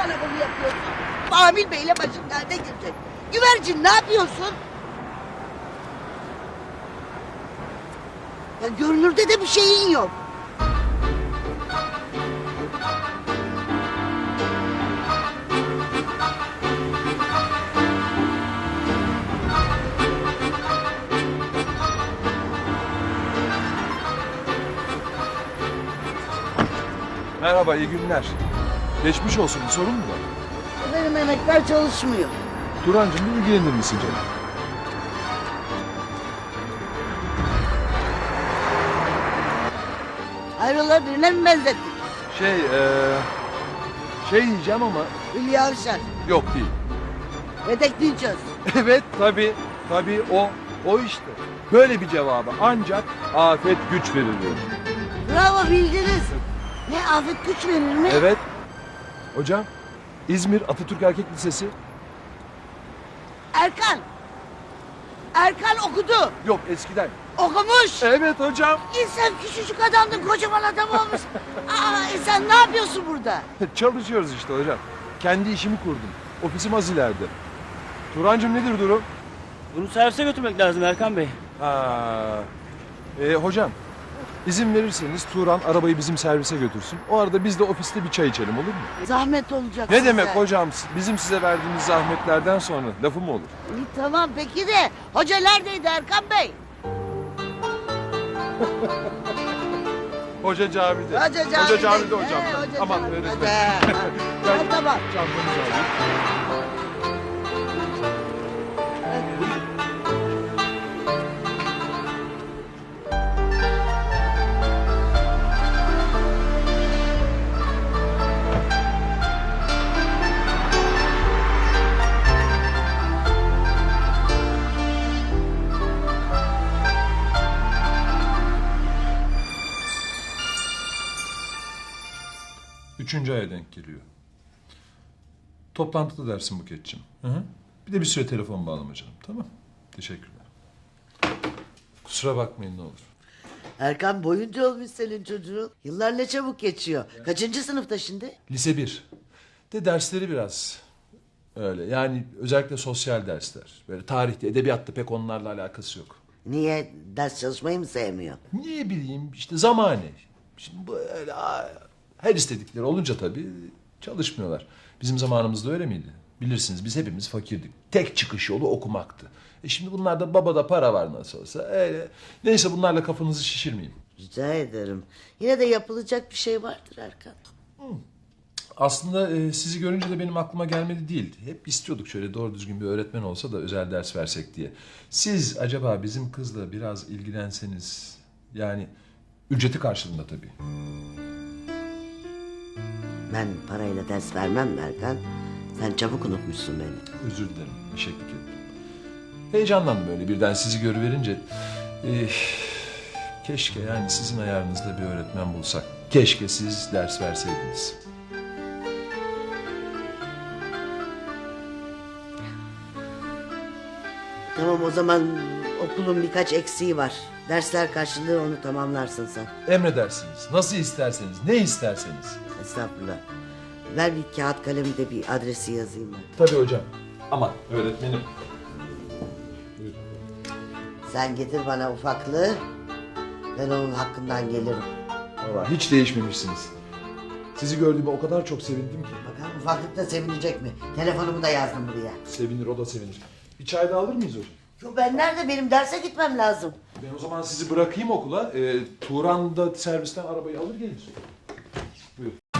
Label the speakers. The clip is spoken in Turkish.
Speaker 1: bana bunu yapıyorsun? Amil Bey'le başın derde girecek. Güvercin ne yapıyorsun? Ya görünürde de bir şeyin yok.
Speaker 2: Merhaba, iyi günler. Geçmiş olsun, bir sorun mu var?
Speaker 1: Benim emekler çalışmıyor.
Speaker 2: Turancığım bir ilgilenir misin canım?
Speaker 1: Hayrola birine mi benzettin?
Speaker 2: Şey diyeceğim ama
Speaker 1: Hülya Avşar.
Speaker 2: yok değil.
Speaker 1: Vedek Dinçöz.
Speaker 2: Evet, tabii o işte. Böyle bir cevabı ancak afet güç verir diyor.
Speaker 1: Bravo bildiniz. Ne afet güç verir mi?
Speaker 2: Evet. Hocam, İzmir Atatürk Erkek Lisesi.
Speaker 1: Erkan. Erkan okudu.
Speaker 2: Yok, eskiden.
Speaker 1: Okumuş.
Speaker 2: Evet hocam.
Speaker 1: Sen küçücük adamdın kocaman adam olmuş. Sen ne yapıyorsun burada?
Speaker 2: Çalışıyoruz işte hocam. Kendi işimi kurdum. Ofisim az ileride. Turancığım nedir durum?
Speaker 3: Bunu servise götürmek lazım Erkan Bey.
Speaker 2: Hocam, izin verirseniz Turan arabayı bizim servise götürsün. O arada biz de ofiste bir çay içelim, olur mu?
Speaker 1: Zahmet olacak
Speaker 2: Ne
Speaker 1: size.
Speaker 2: demek hocam? Bizim size verdiğimiz zahmetlerden sonra lafı mı olur?
Speaker 1: İyi, tamam peki de hoca neredeydi Erkan Bey?
Speaker 2: Hoca camide.
Speaker 1: Hoca
Speaker 2: camide hocam.
Speaker 1: Hoca
Speaker 2: Aman
Speaker 1: camide.
Speaker 2: öğretmenim. Ben
Speaker 1: Tamam.
Speaker 2: çantanızı alayım. Üçüncü aya denk geliyor. Toplantıda dersin Buket'ciğim. Hı hı. Bir de bir süre telefon bağlama canım. Tamam. Teşekkürler. Kusura bakmayın ne olur.
Speaker 1: Erkan boyunca olmuş senin çocuğun. Yıllar ne çabuk geçiyor. Kaçıncı sınıfta şimdi?
Speaker 2: Lise 1. De dersleri biraz öyle. Yani özellikle sosyal dersler. Böyle tarihte, edebiyatta pek onlarla alakası yok.
Speaker 1: Niye ders çalışmayı mı sevmiyor?
Speaker 2: Niye bileyim işte zamane. Şimdi bu öyle her istedikleri olunca tabii çalışmıyorlar. Bizim zamanımızda öyle miydi? Bilirsiniz biz hepimiz fakirdik. Tek çıkış yolu okumaktı. Şimdi bunlarda babada para var nasıl olsa. Öyle. Neyse bunlarla kafanızı şişirmeyeyim.
Speaker 1: Rica ederim. Yine de yapılacak bir şey vardır Erkan.
Speaker 2: Aslında sizi görünce de benim aklıma gelmedi değil. Hep istiyorduk şöyle doğru düzgün bir öğretmen olsa da özel ders versek diye. Siz acaba bizim kızla biraz ilgilenseniz, yani ücreti karşılığında tabii.
Speaker 1: Ben parayla ders vermem Erkan. Sen çabuk unutmuşsun beni.
Speaker 2: Özür dilerim, eşeklik ettim. Heyecanlandım öyle birden sizi görüverince. Keşke yani sizin ayarınızda bir öğretmen bulsak. Keşke siz ders verseydiniz.
Speaker 1: Tamam o zaman okulun birkaç eksiği var. Dersler karşılığı onu tamamlarsın sen.
Speaker 2: Emredersiniz. Nasıl isterseniz, ne isterseniz.
Speaker 1: Estağfurullah. Ver bir kağıt kalemi de bir adresi yazayım ben.
Speaker 2: Tabii hocam. Aman öğretmenim.
Speaker 1: Sen getir bana ufaklığı. Ben onun hakkından gelirim.
Speaker 2: Vallahi hiç değişmemişsiniz. Sizi gördüğüme o kadar çok sevindim ki.
Speaker 1: Bakalım ufaklık da sevinecek mi? Telefonumu da yazdım buraya.
Speaker 2: Sevinir, o da sevinir. Bir çay da alır mıyız hocam?
Speaker 1: Yo ben nerede? Benim derse gitmem lazım.
Speaker 2: Ben o zaman sizi bırakayım okula. Turan da servisten arabayı alır gelir. Buyur.